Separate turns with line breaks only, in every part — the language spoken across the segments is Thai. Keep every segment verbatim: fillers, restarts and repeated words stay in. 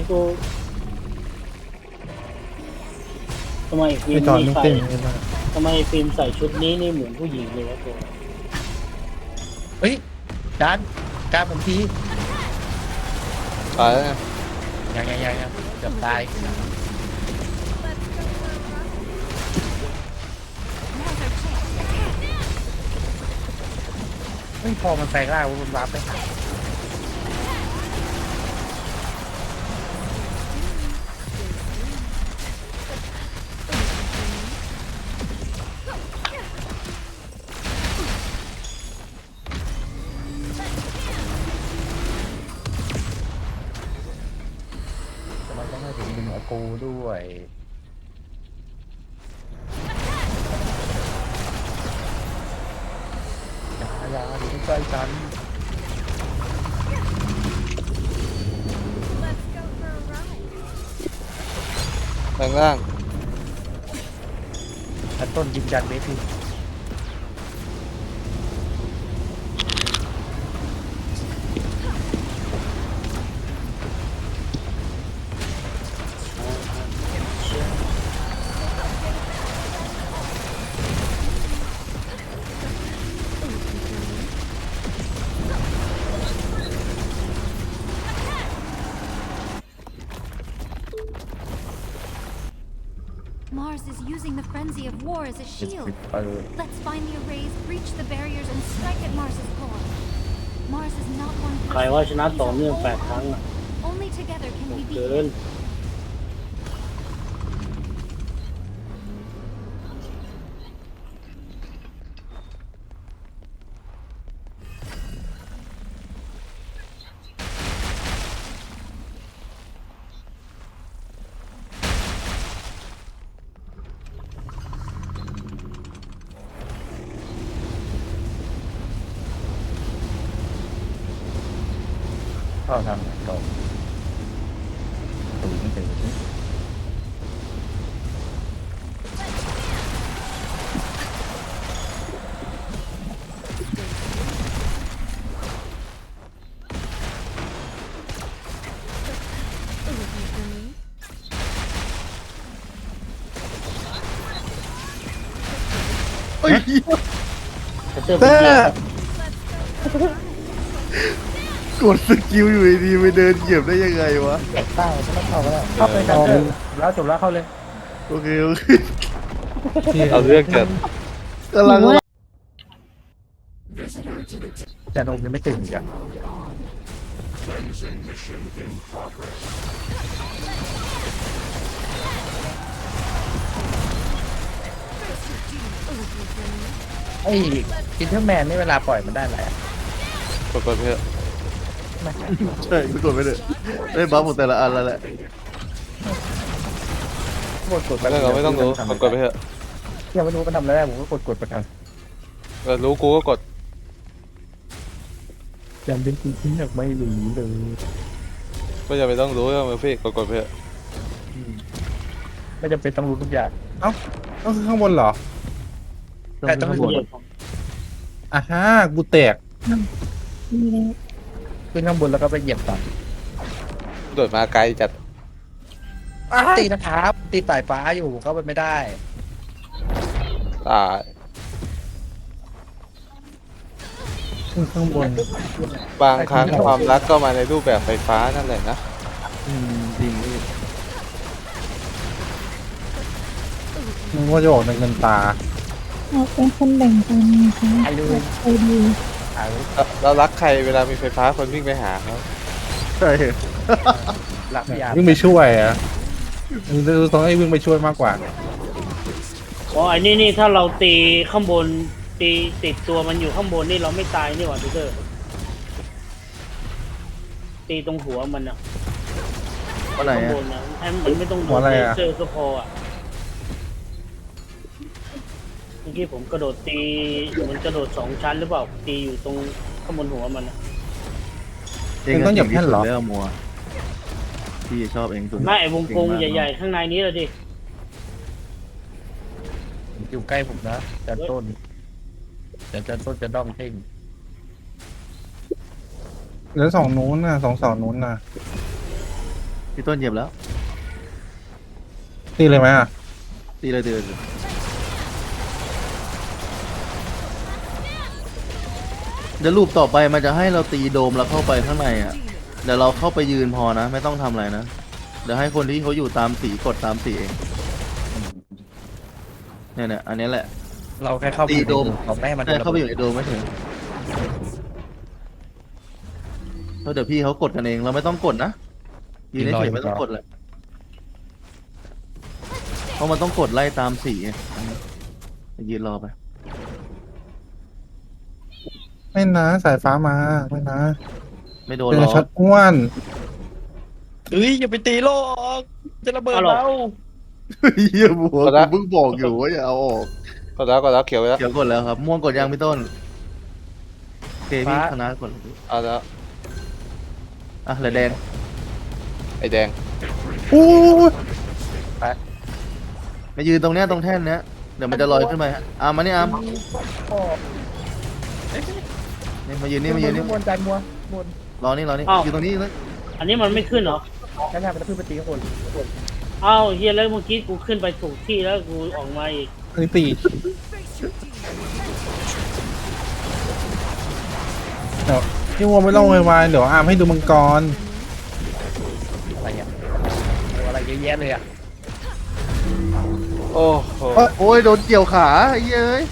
ตัวทำไมฟิ
ไอ
ล์ม
จอน
นี่
ไม่
ใส่
เต้นไม่ได้
ทำไมฟิล์มใส่ชุดนี้นี่เหมือนผู้หญิงเลยวะตัว
เฮ้ยจานจานผมที
ตายแล้วไง
ยังยังยังยังเกือบตายเฮ้ยพอมันแปลงร่างมันวาร์ปไปหาแต่มันต้องให้ถึงดึงอากูด้วยยายาอยู่ใกล้ๆกัน
แรงล่าง
ถ้าต้นยิงยันเมพี่
Mars is using the frenzy of war as a
เจ็ด
shield.
สิบเปิด
Let's find the arrays, breach the barriers, and strike at Mars's core. Mars is not one
ใคร
person.
ว่าชนะ
He's a
ต่อเนื่อง
whole
แปดครั้ง
army.
อ่ะ
Only together can we
เกิ
beat
น
him.
เข้าทางไหนก่อนตูไม่เจอ
เฮ้ย
แต่เตอร์
แต่
เป็นเกียร์
กดสกิลอยู่ดีๆไปเดินเหยียบได้ยังไงวะ
แตกใต้ก็ต้องเข้าก็ได้เข้าไปกันเถอะแล้วจบแล้วเข้าเลย
โอเคโอเค
เอาเรื่องจัด
กำลัง
แต่นมยังไม่ตื่นอีกอ่ะไอ้อินเทอร์แมนนี่เวลาปล่อยมันได้อะไรอ่ะ
กดกดเพื่อ
ไม่
ใช่กดไปเลยได้บัฟหมดแต่ละอันแล้วแหละ
กดกดไป
เรื่องเราไม่ต้องรู้กดกดไปเถอะ
ยังไม่รู้มันทำอะไรได้ผมก็กดกดไปกัน
เออรู้กูก็กด
ยังเป็นจริงๆยังไม่รู้เลย
ไม่จำเป็นต้องรู้ก็มือพี่กดกดไปเถอะ
ไม่จำเป็นต้องรู้ทุกอย่าง
เอ้าต้องข้างบนเหรอ
แต่ต้อง
เห
รู้
ยียบ
อ่ะฮะกูแตก
ขึ้นข้างบนแล้วก็ไปเหยียบต่อ
โดดมาไกลจัด
ตีนะครับตีสายฟ้าอยู่เข้าไปไม่ได้
ตาย
ขึ้นข้างบน
บางครั้งความรักก็มาในรูปแบบไฟฟ้านั่นแหละนะ
อืมจริงพี่มึงว่าจะออกในเงินตา
เราเป็นคนแบ่งปันไงคะ
ไอ้ดู
ใจดี
อ่า
เราเรารักใครเวลามีไฟฟ้าคนวิ่งไปหาเขา
ใช่
หลักยา
วิ่งไปช่วยอ่ะมึงต้องให้วิ่งไปช่วยมากกว่า
อ๋อไอ้นี่นี่ถ้าเราตีข้างบนตีติดตัวมันอยู่ข้างบนนี่เราไม่ตายนี่หว่าพีเตอร์ตีตรงหัวมันอ่ะ
ว่าไหน
ข้าง
อ่ะ
บนนะให้มันไม่ต้องโด
หัวน อะไร
เล
อะ
เซอร์ก็พออ่ะเมื่อกี้ผมกระโดดตีเหมันกระโดดสองชั้นหรือเปล่าตีอยู่ตรงข้างบนหัวมันอะ
เองต้องเหยียบแท่นเหรอ
เรื่องมัวพี่ชอบเองสุด
ไม่ไอ้วงกลมใหญ่ๆข้างในนี้เลยดิ
อยู่ใกล้ผมนะจันต้นแต่จันต้นจะด้องเท่ง
แล้วสองนู้นน่ะสองเสานู้นน่ะ
พี่ต้นเหยียบแล้ว
ตีเลยไหมอ่ะ
ตีเลยตีเลยเดี๋ยวรูปต่อไปมันจะให้เราตีโดมแล้วเข้าไปข้างในอ่ะเดี๋ยวเราเข้าไปยืนพอนะ ไม่ต้องทำอะไรนะเดี๋ยวให้คนที่เขาอยู่ตามสีกดตามสีเองเนี่ยเนี่ยอันนี้แหละ
เราแค่เข้าไป
ตีโดม
เราแม่มัน
ใช่เข้าไปอยู่ในโดมไม่ถึงเพราะเดี๋ยวพี่เขากดกันเองเราไม่ต้องกดนะยืนเฉยๆไม่ต้องกดเลยเพราะมันต้องกดไล่ตามสีไงยืนรอไป
ไม่นะสายฟ้ามาไม่นะ
ไม่โดน
เป็น
หรอก
ช็อตอ้วนเอ้ยอย่าไปตีโลกจะระเบิดเรา
เยี่ยมหัวกูเพิ่งบอกอยู่ว่าอย่าเอาออก
ก็แล้วก็แล้วเขียวไปแล้ว
เดี๋ยวกดแล้วครับ ม่วงกดยังพี่ต้นโอเคพี่คณะกด
เอาแล้ว
อ่ะเหลือแดง
ไอ้แดง
โอ้ย
มายืนตรงเนี้ยตรงแท่นเนี้ยเดี๋ยวมันจะลอยขึ้นไปฮะอามมานี่อามนี่มายืนนี่มายืนนี่
มวนใจมัวมวน
รอนี่รอนี่
อ้าว
ยืนตรงนี้เลย
อันนี้มันไม่ขึ้นเหรอ
แค่แค่เป็นเพื่อนปฏิคน
เอ้าเฮียแล้วเมื่อกี้กูขึ้นไปถูกที่แล้วกูออกมาอีก
อันนี้ตีเดี๋ยวพี่วัวไม่ต้องโวยวายเดี๋ยวอาร์มให้ดูมังกรอะไรอ่ะอะไรเยอะแยะเลยอ่ะ
โอ้โห
โอ้ยโดนเกี่ยวขาไอ้เย้ย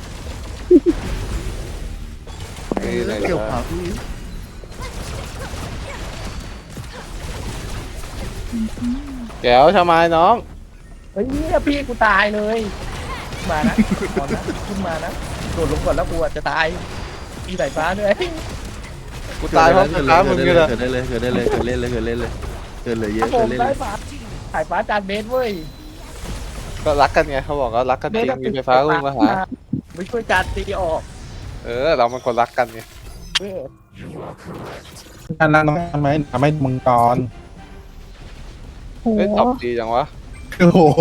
นี่เลย
เกี่ยว
นะ
ขาพี่
แก้วทำไมน้อง
เฮ้ยเนี่ยพี่กูตายเลยมานะก่อนนะขึ้นมานะโดดลงก่อนแล้วกูจะตายมีสายฟ้าด้วย
กูตายเพราะไฟฟ้ามึงนี่แหละ
เกิดได้เลยเกิดได้เลยเกิดเล่นเลยเกิดเล่นเลยเกิดเหลือเยอะ
ผ
เกิด
ม
เล่น
ได้
เลย
ฟ้าสายฟ้าจานเบสเว้ย
ก็รักกันไงเขาบอกว่ารักกันจริงมีไฟฟ้าลุงมาหา
ไม่ช่วยจานตีออก
เออเรามันคนรักกันไง
การนั่งทำไมทำให้มังกร
โอ้
เฮ้ย
โห
ตอบดีจังวะ
โอ้โห